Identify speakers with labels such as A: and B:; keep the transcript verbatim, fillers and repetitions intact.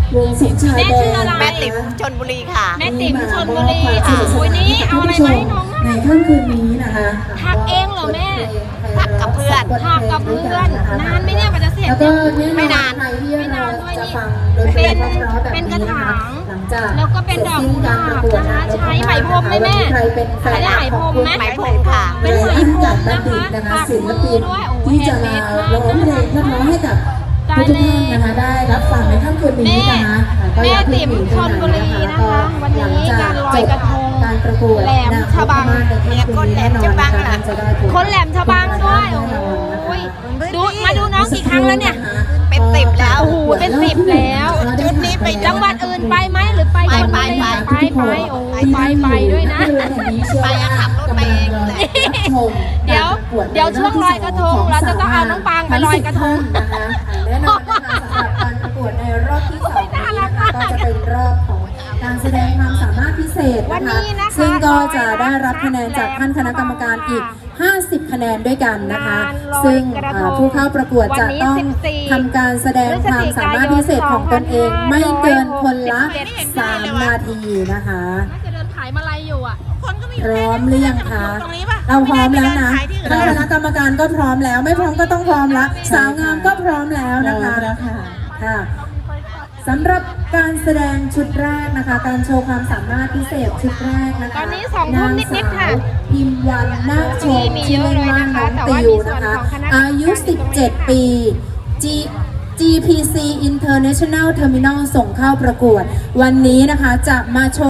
A: วงสมชาย
B: แม่
A: แด
B: ชื่ออะไร
A: ง
C: แม่ติ๋มชลบุรีค่ะ
B: แม่ติ๋มชลบุรีค่ะโอ้ยนี่เอาอะไรมาให้น้อง
A: ในค่ำคืนนี้นะคะ
B: ถักเองเหรอแม่
C: ถักกับเพื่อน
B: ถักกับเพื่อนนานไหมเนี่ยกว่าจะเสร็จ
A: แล้วก็
B: เนี่ย
A: แน่นอน
C: ไม่นาน
A: ใครที่
B: ไม่นานด้วย
A: จะ
B: นี่
A: ฟังดนตรีเพราะๆแบบ
B: เป็นกระ
A: นี้นะ
B: ถา
A: คะ
B: ง
A: หลังจาก
B: แล้วก็เป็นดอกกุหลาบนะคะใช้ไหมพรมไหมแม่
A: ใครเป็นแฟน
B: ใช้ไหมพรมไหม
C: ไหมพรมค่ะ
B: เป็นไหมพรมนะคะ
A: นะคะ
B: ปัก
A: ศิล
B: มื
A: ปิ
B: อน ด้วยโอ้โห
A: ที่
B: แฮ
A: จะ
B: นด์เม
A: มา
B: ดมาก
A: ร้องเพลงเพราะๆให้กับทุกท่านนะคะได้รับฟังในค่ำคืนนี้นะคะ
B: แม่ติ๋มชลบุรีนะคะวันนี้การลอยกระทง
A: การประกวด
B: แหลมฉบัง
C: เนี่ยคนแหลมฉบังล่ะ
B: คนแหลมฉบังด้วยโอ้โหดูมาดูน้องกี่ครั้งแล้วเนี่ย
C: เป็นสิบแล้ว
B: โอ้โหเป็นสิบแล้ว
C: ชุดนี้ไป
B: จังหวัดอื่นไปไหมหรือไป
C: ไป
B: ชลบุรี
C: ไป
B: ไปไปโอ้ยไปไปด้วยนะ
C: ไปอะขับรถไปเองเลย
B: เดี๋ยวเดี๋ยวช่วงลอยกระทงเราจะต้องเอาน้องปางไปลอยกระทง
A: นะคะแน่นอนนะคะสำหรับการประกวดในรอบที่สองนี้นะคะก็จะเป็นรอบของการแสดงความสามารถพิเศษ
B: วัน
A: นะคะ
B: นี้นะคะ
A: ซึ่งก็จะได้รับคะแนนจากท่านคณะกรรมการอีก ห้าสิบ คะแนนด้วยกันนะคะ ซึ่งอ่าผู้เข้าประกวดจะต้องทำการแสดงความสามารถพิเศษของตนเองไม่เกินคนละสามนาทีนะคะ
B: น่าจะเดินขายมาลัยอยู่อ่ะ
C: คนก็มี
A: พร้อมหรือยังคะเราพร้อมแล้วนะท่านคณะกรรมการก็พร้อมแล้ว ไม่พร้อมก็ต้องพร้อมละสาวงามก็พร้อมแล้วนะคะค่ะสำหรับการแสดงชุดแรกนะคะ การโชว์ความสามารถพิเศษชุดแรกนะคะ
B: ตอนนี้สองทุ่มนิดๆค่ะ
A: นางสาวพิมพ์วันนาคชม
B: มีเย
A: ชื่อ
B: อะ
A: เล่น
B: เลย
A: ว่า
B: นะคะ
A: น้อง
B: แต่ว่า
A: ติ
B: มี
A: ว
B: ส่วน
A: นะคะ
B: ของคณะกรรมการ
A: อายุ สิบเจ็ด ปี G จี พี ซี International Terminal ส่งเข้าประกวด วันนี้นะคะจะมาโชว์